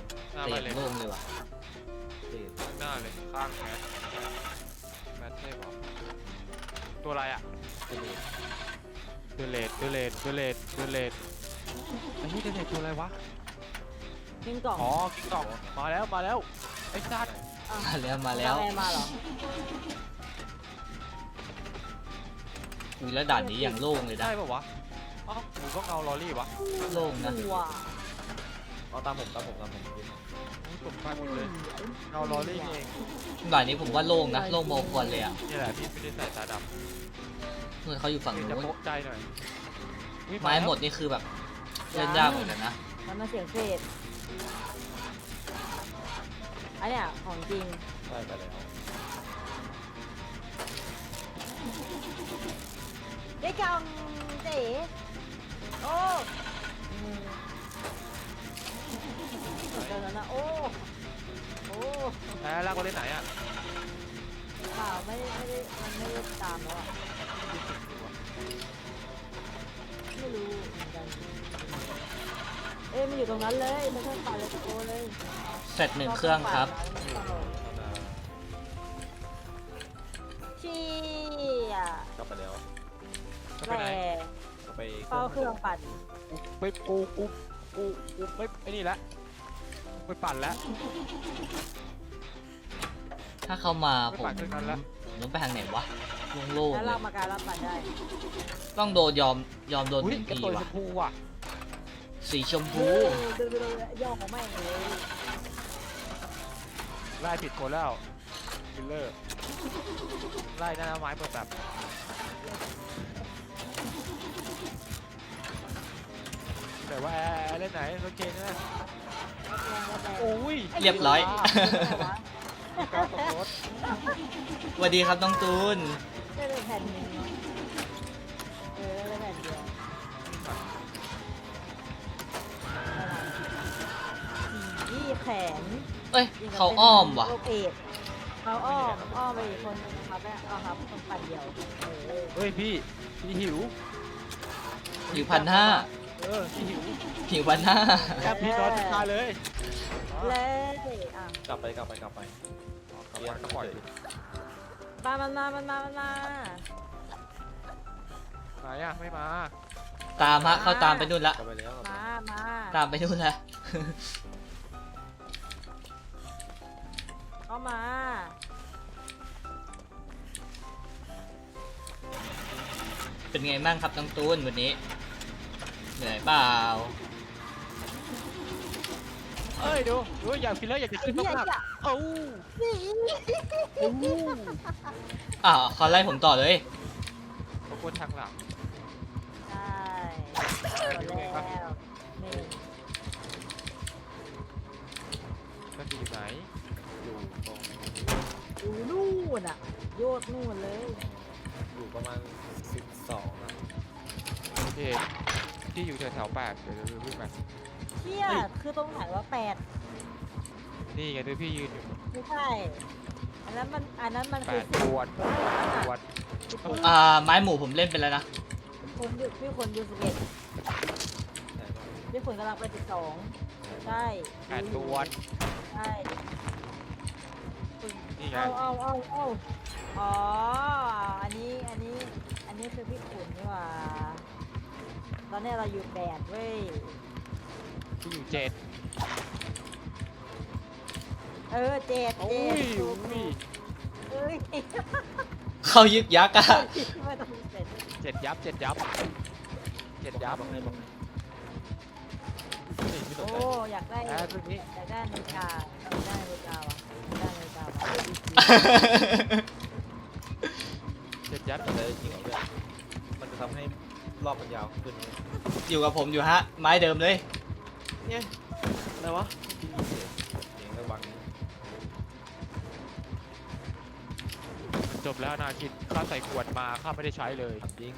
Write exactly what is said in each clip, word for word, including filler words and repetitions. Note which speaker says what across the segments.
Speaker 1: หน้า
Speaker 2: เตะ
Speaker 1: ไปเลย
Speaker 2: โล่งเลยว่ะ
Speaker 1: ข้างหน้าเลยข้างแมสแมสเทพเหรอตัวอะไรอ่ะเดเลดเดเลดเดเลดเดเลดไอ้นี่เดเลดตัวอะไรวะ
Speaker 3: ยิงกล่อง
Speaker 1: อ๋อกิ๊กกล่องมาแล้วมาแล้วไอ้สัตว์
Speaker 2: มาแล้วมาแล้ว
Speaker 3: อะไรมาเหรอ
Speaker 2: อุ้ยแล้วด่านนี้อย่างโล่งเลยนะ
Speaker 1: ได้ปะวะอ๋อหมูก็เงาลอรี่วะ
Speaker 2: โล่งนะ
Speaker 3: ตัว
Speaker 4: เอาตามผมตามผมตามผม
Speaker 1: ตกใจหมดเลยเงาลอรี่นี่เอง
Speaker 2: ด่านนี้ผมว่าโล่งนะโล่งโมควรเลยอ่ะ
Speaker 1: นี่แหละพี่ไม่ได้ใส่ตาดำ
Speaker 2: เมื่อเขาอยู่ฝั่ง
Speaker 1: เดี๋ยวจะ
Speaker 2: นู้น
Speaker 1: โป๊ะใจหน่อยอุ๊ย
Speaker 2: ไม้หมดนี่คือแบบเล่นยากเหมือนกันนะ
Speaker 3: มันมาเสียงเศษอันเนี้ยของจริง
Speaker 4: ได้ไปแล้ว
Speaker 3: ได้กล่องเจ๋โอ้เจอแล้วนะโอ้โอ้
Speaker 1: แพ้แล้วก็เล่นไหนอ่ะ
Speaker 3: เปล่าไม่ได้ไม่ได้มันไม่ได้ตามแล้วอ่ะไม่รู้เหมือนกันเอ้ยมันอยู่ตรงนั้นเลยไม่ใช่ป่าเลยตะโกเลย
Speaker 2: เสร็จหนึ่งเครื่องครับ
Speaker 3: ชี้อ่ะ
Speaker 4: กลับไปแล้ว
Speaker 1: จะไป
Speaker 3: แห
Speaker 1: ไหน
Speaker 3: ล่
Speaker 4: กลับไป
Speaker 3: เฝ้าเครื่องปั่น
Speaker 1: ไปกูกูกูกูไม่ไอ้นี่ละไปปั่นแล้ว
Speaker 2: ถ้าเข้ามาผม
Speaker 1: ไม่ปั่นเครื่องนั้นละ
Speaker 2: ผมต้องไปทางไหนวะโล่ง
Speaker 3: แล้ว
Speaker 2: ๆเล
Speaker 3: เรา
Speaker 2: ย
Speaker 3: มาการรับปั่นได้
Speaker 2: ต้องโดนยอมยอมโดนห
Speaker 1: อุ้ย
Speaker 2: นึ่ง
Speaker 1: กระ
Speaker 2: ที
Speaker 1: ตุยช
Speaker 2: ว่ะ
Speaker 1: มพูว่ะ
Speaker 2: สีชม
Speaker 3: ดู
Speaker 2: พู
Speaker 3: ดูดูย่อของแม่งเลย
Speaker 1: ไล่ผิดคนแล้วคิลเลอร์ไล่หน้าไม้เปิดแบบแต่ว่าแอร์เล่นไหนรถเกนนะโอ้ย
Speaker 2: เรียบร้อย
Speaker 1: ก้าวตกรถ
Speaker 2: สวัสดีครับน้องตูน
Speaker 3: ได้เลยแผ่นหนึ่งเนาะเออได้เลยแผ่นเดียวสีแขน
Speaker 2: เอ้ยเขาอ้อมว่ะ
Speaker 3: โอเคเขาอ้อมอ้อมไปอีกคนนึงครับแม่เอาครับคนปั่นเดียวเออ
Speaker 1: เฮ้ยพี่พี่หิว
Speaker 2: อยู่พันห้า
Speaker 1: เออพี่หิว
Speaker 2: หิวพันห้า
Speaker 1: แอบพี่นอนตายเลย
Speaker 3: เลยอ่ะ
Speaker 4: กลับไปกลับไปกลับไป
Speaker 1: เรียนก็ปล่อย
Speaker 3: มามันมามันมามันมา
Speaker 1: ไหนอ่ะไม่มา
Speaker 2: ตามฮะเขาตามไปนู่นละ
Speaker 4: กลับไปแล้วกลับไป
Speaker 3: มามา
Speaker 2: ตามไปนู่นละ
Speaker 3: เข้ามา
Speaker 2: เป็นไงบ้างครับน้องตูนวันนี้เหนื่อยเปล่า
Speaker 1: เอ้ยดูดูอยากฟิลเลอร์อยากจะ
Speaker 3: ไอ้
Speaker 1: ขึ้น
Speaker 3: เหี้ย
Speaker 1: มาก
Speaker 3: จ้ะ
Speaker 1: ๆเอ้า
Speaker 2: อ่าวเขาไล่ผมต่อเลย
Speaker 1: ขอบคุณทางหลัง
Speaker 3: ใช่หมดแล้วนี่
Speaker 1: มันอยู่ไหน
Speaker 4: อยู่ตรง
Speaker 3: อยู่นู่นอ่ะโยดนู่นเลย
Speaker 4: อยู่ประมาณสิบสองนะ
Speaker 1: พี่ที่อยู่แถวๆแปดเดี๋ยวเดี๋ยววิ่งไป
Speaker 3: เที่ยคือตรงไหนว่าแปด
Speaker 1: นี่ไงดูพี่ยืนอยู่
Speaker 3: ไม่ใช่ อันนั้นมันอันนั้นมัน
Speaker 1: แป
Speaker 3: คือ
Speaker 1: ดตวดตวด
Speaker 2: อ่าไม้หมูผมเล่นไปแล้วนะ
Speaker 3: คนอยู่พี่คนอยู่สิบเอ็ด
Speaker 4: ใช่ปะ
Speaker 3: พี่คนกำลังไปสิบสองใช่
Speaker 1: แปดตวด
Speaker 3: ใช่
Speaker 1: นี่ไง
Speaker 3: เอาเอาเอาเอาอ๋ออันนี้อันนี้อันนี้คือพี่ขุนนี่หว่าตอนนี้เราอยู่แปดเว้ย
Speaker 1: พี่อยู่เจ็ด
Speaker 3: เออเจ็ด
Speaker 1: โอ้
Speaker 3: เจ็
Speaker 1: ย
Speaker 3: ดถูก
Speaker 1: อุ้ย
Speaker 3: เอ้ย
Speaker 2: เขายึกยักษ์อะ
Speaker 3: ไม่ต้องเจ็ด
Speaker 1: เจ็ดยับเจ็ดยับเจ็ดยับ
Speaker 4: บอกให้บอกให้นี่ไม่สน
Speaker 3: โอ้
Speaker 4: ใจ
Speaker 3: อยากได้
Speaker 1: แอร์ตรงนี้
Speaker 3: อยากได้นาฬิกาอยากได้นาฬิกาว่ะอยากได้นาฬิกาว่ะ
Speaker 1: เจ็ดยับ
Speaker 4: แต่จริงเหรอเพื่อนมันจะทำให้รอบมันยาวขึ้น
Speaker 2: อยู่กับผมอยู่ฮะ ไม้เดิมเลย
Speaker 4: เนี่ยอะไรวะที่มีเสียงเสียงระวังนี้
Speaker 1: จบแล้วนาคิดข้าใส่ขวดมาข้าไม่ได้ใช้เลย
Speaker 4: ถามจริง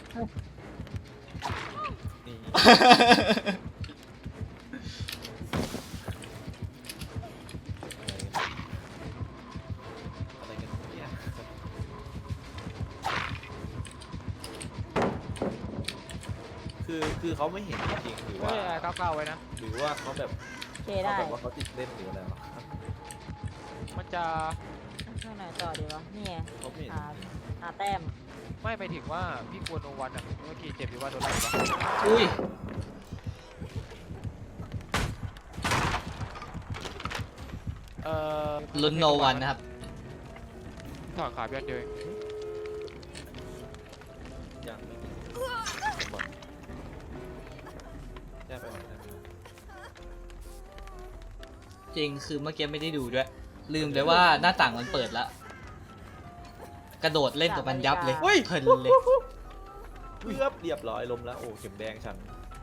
Speaker 4: นี่อะไรกันเนี่ยคือคือเขาไม่เห็นจริงๆหรือ
Speaker 1: เฮ้
Speaker 4: ว่าย
Speaker 1: แอร์เก้าเก้าไว้นะ
Speaker 4: หรือว่าเขาแบบ
Speaker 3: เคได้
Speaker 4: เอาแบบว่าเขาติดเล่นหรืออะไรวะ
Speaker 1: มันจะ
Speaker 3: ช่วงไหนต่อดีวะนี่ไง
Speaker 4: เขาไม่เห็น
Speaker 3: หาหาแต้ม
Speaker 1: ไม่ไปถึงว่าพี่กลัวโนวันอ่ะเมื่อกี้เจ็บอยู่ว่าโดนไล่ปะ
Speaker 2: อุ้ย
Speaker 1: เอ่อ
Speaker 2: ลุ้นโนวันนะครับ
Speaker 1: ถอนขาพี่อันเดียวเอง
Speaker 4: ยังไม่มีบอลแย่ไปหมดแล้ว
Speaker 2: จริงคือเมื่อกี้ไม่ได้ดูด้วย ลืมเลยว่าหน้าต่างมันเปิดแล้ว กระโดดเล่นกับมันยับเลยเพลินเลย
Speaker 4: เกือบเรียบร้อยล้มแล้วโอ้เข็มแดงฉัน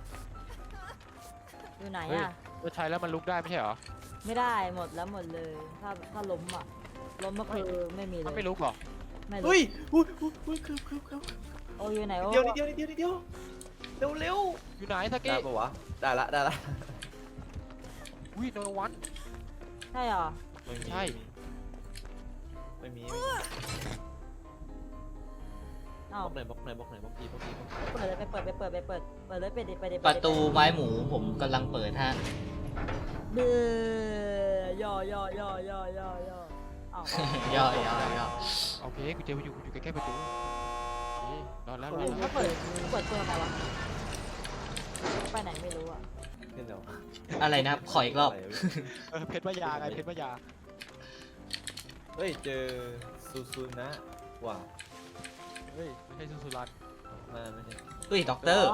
Speaker 3: อยู่ไหน
Speaker 1: เฮ้ย
Speaker 3: อ่ะ
Speaker 1: เราใช้แล้วมันลุกได้ไม่ใช่เหรอ
Speaker 3: ไม่ได้หมดแล้วหมดเลย ถ้าถ้าล้มอ่ะล้มก็คือไม่มีเล
Speaker 1: มัน
Speaker 3: ย
Speaker 1: ไม่ลุกเหรอ
Speaker 3: ไม่รู้
Speaker 4: เฮ้ยอุ้ยอุ้ยอุ้ยคือคือคือ
Speaker 3: โอ้อยู่ไหนโอ้
Speaker 4: เดียวนิดเดียวนิดเดียวนิดเดียวเร็วเร็ว
Speaker 1: อยู่ไหนส
Speaker 4: ได้
Speaker 1: กี้
Speaker 4: ปะวะได้ละได้ละ
Speaker 1: อุ้ยโนวัน
Speaker 3: ใช่เหรอ
Speaker 4: ไม่มี
Speaker 1: ใช่
Speaker 4: ไม่มีไม่มี
Speaker 3: เอ้า
Speaker 4: บล็อกไหนบล็อกไหนบล็อกไหนบล็อกทีบล็อกทีบล็อกที
Speaker 3: เปิดเลยไปเปิดไปเปิดไปเปิดเปิดเลยไปดิไปดิ
Speaker 2: ประตูไม้หมูผมกำลังเปิดฮะ
Speaker 3: เบื่อย่อย่อย่อย่อย่อย่อเอ้า
Speaker 2: ย่อย่อย่อ
Speaker 1: โอเคกูเจออยู่อยู่ใกล้ๆประตูโอเคนอนแล้วนอน
Speaker 3: ก็
Speaker 1: แล้ว
Speaker 3: เปิดเปิดตัวทำไมวะไปไหนไม่รู้อ่ะ
Speaker 4: เล่นแล้ว
Speaker 2: อะไรนะครับ ขออีกรอบ
Speaker 4: ะไวะ
Speaker 1: เออเพชรพยาไงเพชรพยา
Speaker 4: เฮ้ยเจอซูซูนะว่ะ
Speaker 1: เฮ้ยไม่ใช่สุสุรัน
Speaker 4: น่าไม่ใช่
Speaker 2: เฮ้ยด็อกเตอร์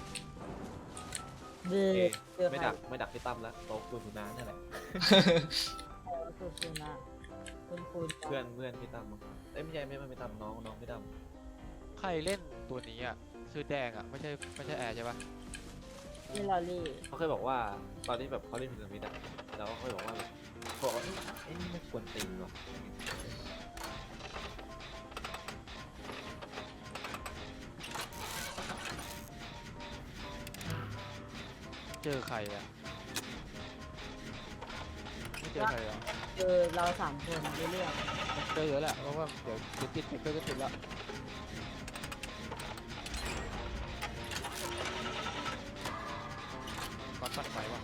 Speaker 3: เบื่
Speaker 4: โอ
Speaker 3: อ
Speaker 4: เค
Speaker 3: เบื่อ
Speaker 4: ไม่
Speaker 3: ใคร
Speaker 4: ดักไม่ดักพี่ตั้มแล้วโต๊ะซูซูนะนี่แหละ
Speaker 3: เออสุดๆนะคุณคุณ
Speaker 4: เพื่อนเพื่อนพี่ตั้มมั้งเอ้ยไม่ใช่ไม่ไม่พี่ตั้มน้องน้องพี่ตั้ม
Speaker 1: ใครเล่นตัวนี้อ่ะชื่อแดงอ่ะไม่ใช่ไม่ใช่แอร์ใช่ปะ
Speaker 3: นี่ลอรี่
Speaker 4: เขาเคยบอกว่าตอนที่แบบเขาเล่นพีระมิดอะแล้วเขาเคยบอกว่าแบบเขาบอกว่าเอ้ยไอ้นี่ไม่ควรตีนว่ะ
Speaker 1: เจอใครอ่ะไม่เจอใครเหรอ
Speaker 3: เจอเราสามคนในเรื่อง
Speaker 1: เจอเยอะแหละเพราะว่าเดี๋ยวเดี๋ยวติดเดี๋ยวก็ติดละก้อนตัดไฟวะ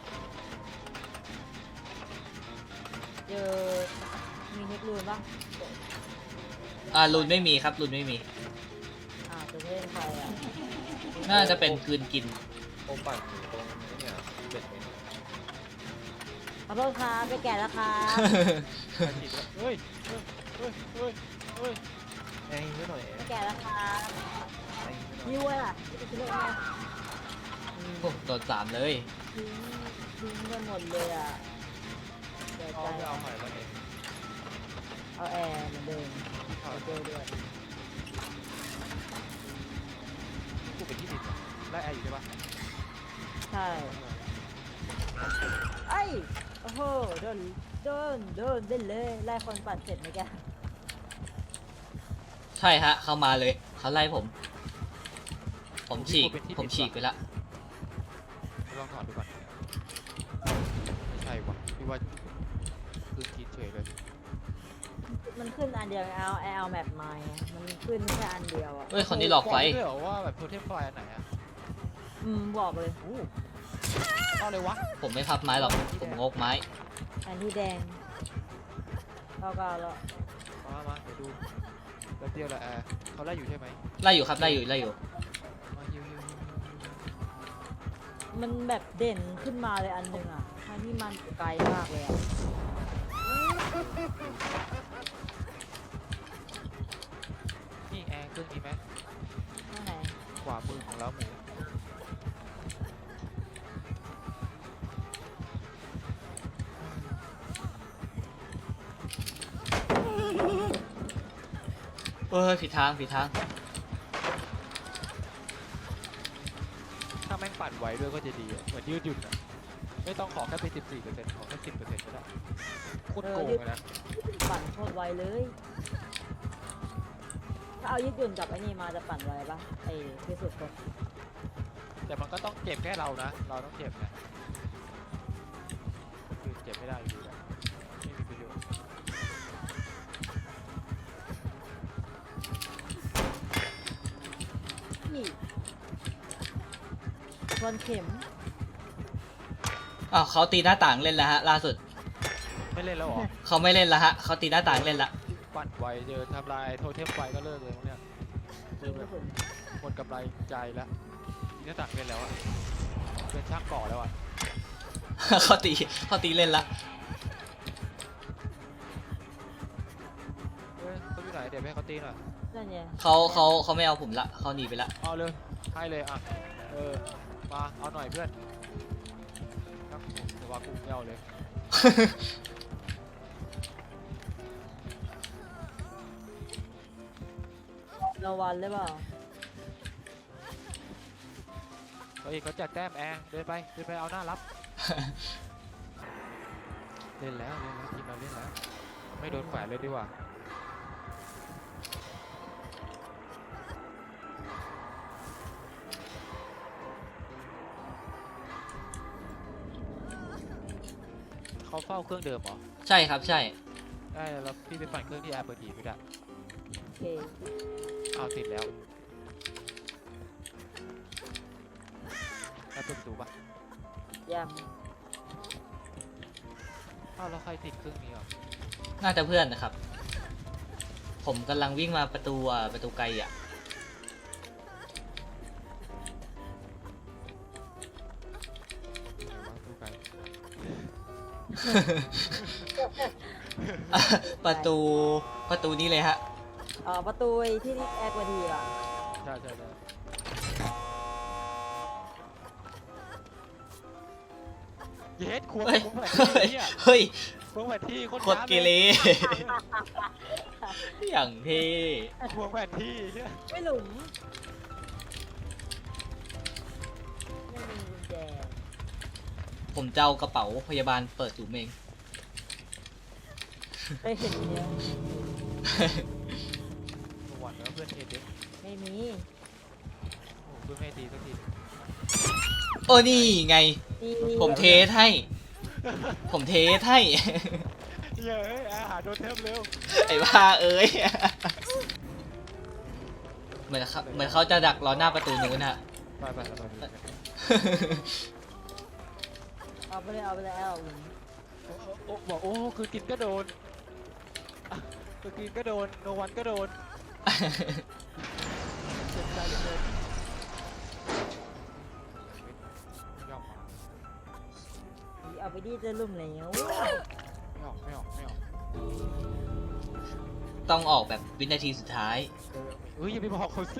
Speaker 3: เจอมีเทคลูนปะ
Speaker 2: อ่ารุนไม่มีครับรุนไม่มี
Speaker 3: อ่าจะเล่นใครอ่ะ
Speaker 2: น่าจะเป็นกลืนกิน
Speaker 4: โอปั่นอยู่ตรงนี้เนี่ยเป็ดเนี่ย
Speaker 3: ขอโทษครับไปแก่แล้วครับ
Speaker 1: ใครติดวะเฮ้ยเฮ้ยเฮ้ยเฮ้ยเฮ้ย
Speaker 4: ไอ้ไม่หน่อย
Speaker 3: ไปแก่แล้วครับ
Speaker 4: ไอ้ไม่หน่อย
Speaker 3: ยิ้วอ่ะที่จะเล่นไง
Speaker 2: โอ้โดนสามเลย
Speaker 3: ทิ้งทิ้งกันหมดเลยอ่ะเดี๋ยว
Speaker 1: เอา
Speaker 3: ใจ
Speaker 1: ไม่เอาใหม่แล้วเนี่ย
Speaker 3: เอาแอร์เหมือนเดิมเอาเจอด้วย
Speaker 1: กูเป็นที่ติดอะได้แอร์อยู่ใช่ปะ
Speaker 3: ใช่ไอ้ยโอ้โหโดนโดนโดนเล่นเลยไล่คนปั่นเสร็จไหมแก
Speaker 2: ใช่ฮะ เข้ามาเลย เขาไล่ผม ผมฉีก ผมฉีกไปละ
Speaker 1: ลองถอดดูก่อนไม่ใช่วะพี่ว่าคือคิดเฉยเลย
Speaker 3: มันขึ้นอันเดียวเอาแอลแมปมาไงมันขึ้นแค่อันเดียวอ่ะ
Speaker 2: เฮ้ย คนนี้หลอกไฟ
Speaker 1: บอกด้วยเหรอว่าแบบโทเทมไฟอันไหนอ่ะ
Speaker 3: อืมบอกเลย
Speaker 1: อู้เอาเลยวะ
Speaker 2: ผมไม่พับไม้หรอก ผมงกไม้
Speaker 3: อันที่แดงเก้าเก้าแล้ว
Speaker 1: มามาเดี๋ยวดูแป๊บเดียวแหละแอร์เขาไล่อยู่ใช่ไหม
Speaker 2: ไล่อยู่ครับ ไล่อยู่ ไล่อยู่
Speaker 1: มาฮิวฮิวฮิวฮิว
Speaker 3: มันแบบเด่นขึ้นมาเลยอันหนึ่งอ่ะทั้งที่มันไกลมากเลยอ่ะ
Speaker 1: นี่แอร์เครื่องนี้ไหม
Speaker 3: ข้างไหน
Speaker 1: ขวามือของเราหมู
Speaker 2: เฮ้ยผิดทางผิดทาง
Speaker 1: ถ้าแม่งปั่นไว้ด้วยก็จะดีอะเหมือนยืดหยุ่นอะไม่ต้องขอแค่ไปสิบสี่เปอร์เซ็นต์ขอแค่สิบเปอร์เซ็นต์ก็ได้โคตรโกงเลยนะ
Speaker 3: ปั่นโคตรไวเลย ถ้าเอายืดหยุ่นกับไอ้นี่มาจะปั่นไวปะไอ้ที่สุดก็
Speaker 1: แต่มันก็ต้องเจ็บแค่เรานะ เราต้องเจ็บนะคือเจ็บไม่ได้อยู่ดีอะไม่มีประโยชน์
Speaker 3: นี่ชนเข็ม
Speaker 2: อ้าวเขาตีหน้าต่างเล่นแล้วฮะล่าสุด
Speaker 1: ไม่เล่นแล้วเหรอ
Speaker 2: เขาไม่เล่นแล้วฮะเขาตีหน้าต่างเล่นละ
Speaker 1: ปั่นไวเจอทำลายโทเทมไฟก็เลิกเลยพวกเนี่ยคือแบบหมดกำไรใจแล้วทีนี้ตักเล่นแล้วอะเป็นช่างก่อแล้วอะ
Speaker 2: เขาตีเขาตีเล่นละ
Speaker 1: เฮ้ยเขาอยู่ไหนเดี๋ยวไปให้เขาตีหน่อย
Speaker 3: นั่นไง
Speaker 2: เขาเขาเขาไม่เอาผมละเขาหนีไปละ
Speaker 1: เอาเลยให้เลยอ่ะเออมาเอาหน่อยเพื่อนครับผมแต่ว่ากูไม่เอาเลย
Speaker 3: รางวัลหรือเปล่า
Speaker 1: เฮ้ยเขาแจกแต้มแอร์เดินไปเดินไปเอาหน้ารับ เล่นแล้วเล่นแล้วทีมเราเล่นแล้วไม่โดนแขวนเลยดีกว่าเขาเฝ้าเครื่องเดิมเหรอ
Speaker 2: ใช่ครับใช่
Speaker 1: ได้แล้วพี่ไปปั่นเครื่องที่แอร์เปิดทีไม่ได้
Speaker 3: โอเค
Speaker 1: เอาติดแล้วแล้วเปิดประตูปะ
Speaker 3: ยัง
Speaker 1: อ้าวแล้วใครติดเครื่องนี้อ่ะ
Speaker 2: น่าจะเพื่อนนะครับ ผมกำลังวิ่งมาประตูอ่ะประตูไกลอ่ะ
Speaker 1: ไหนวะตู้ไกล
Speaker 2: ประตูประตูนี้เลยฮะ
Speaker 3: อ๋อประตูไอ้ที่นี่แอร์กว่าดีอ่ะ
Speaker 1: ใช่ใช่ใช่เย็ดควง
Speaker 2: เฮ้ย
Speaker 1: ควงแผน
Speaker 2: เฮ้ย
Speaker 1: ที่เนี่ย
Speaker 2: เฮ้ย
Speaker 1: ควงแผนที่โคตร
Speaker 2: โคตรเกเร อย่างเท่
Speaker 1: ควงแผนที่เนี่ย
Speaker 3: ไม่หลุมไม่มีกุญแจ
Speaker 2: ผมจะเอากระเป๋าพยาบาลเปิดหลุมเอง
Speaker 3: เคยเห็นเนี่ย
Speaker 1: หวั่นแล้วเพื่อนเทเด็ก
Speaker 3: ไม่มี
Speaker 1: โอ้เพื่อนไม่ตีสักที
Speaker 2: โอ้นี่ไง
Speaker 3: มี
Speaker 2: ผมเทสให้ ผมเทสให้
Speaker 1: เย้ยอาหารโดนเทมเร็ว
Speaker 2: ไอ้บ้าเอ้ย เหมือนเขาเหมือนเขาจะดักรอหน้าประตูนู้นฮะ
Speaker 1: ไปไปไปไป
Speaker 3: เอาไปเลยเอาไปเลยเอาหลุม
Speaker 1: โอ้บอกโอ้คือกินก็โดนอ่ะคือกินก็โดนโนวันก็โดนเจ็บใจเหลือเกินไม่ออกมา
Speaker 3: เอาไปดีจะหลุมแล้ว
Speaker 1: ไม่ออกไม่ออกไม่ออก
Speaker 2: ต้องออกแบบวินาทีสุดท้าย
Speaker 1: เฮ้ยอย่าไปบอกเขาสิ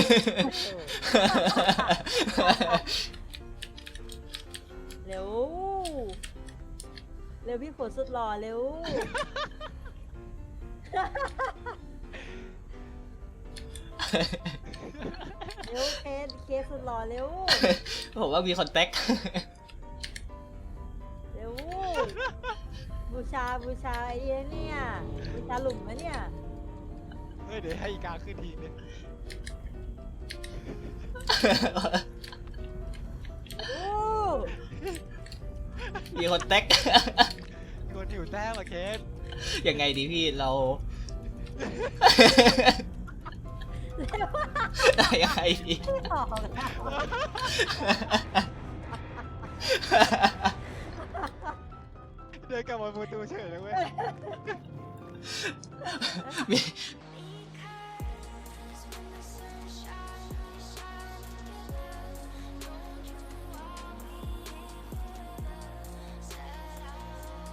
Speaker 3: เร็ว เร็วพี่ฝนสุดหล่อเร็ว เร็วเคสเคสสุดหล่อเร็ว
Speaker 2: ผมว่ามีคอนแทค
Speaker 3: เร็ว บูชาบูชาไอ้เนี่ยบูชาหลุมนะเนี่ย
Speaker 1: เฮ้ยเดี๋ยวให้อีกาขึ้นทีนึง
Speaker 3: โอ้
Speaker 2: มีคอนแทค
Speaker 1: คนหิวแต้มอะเคส
Speaker 2: ยังไงดีพี่เรา ยังไงดี
Speaker 3: ไม่ออกอะ
Speaker 1: เดินกลับมาประตูเฉยเลยเว้ย
Speaker 2: มี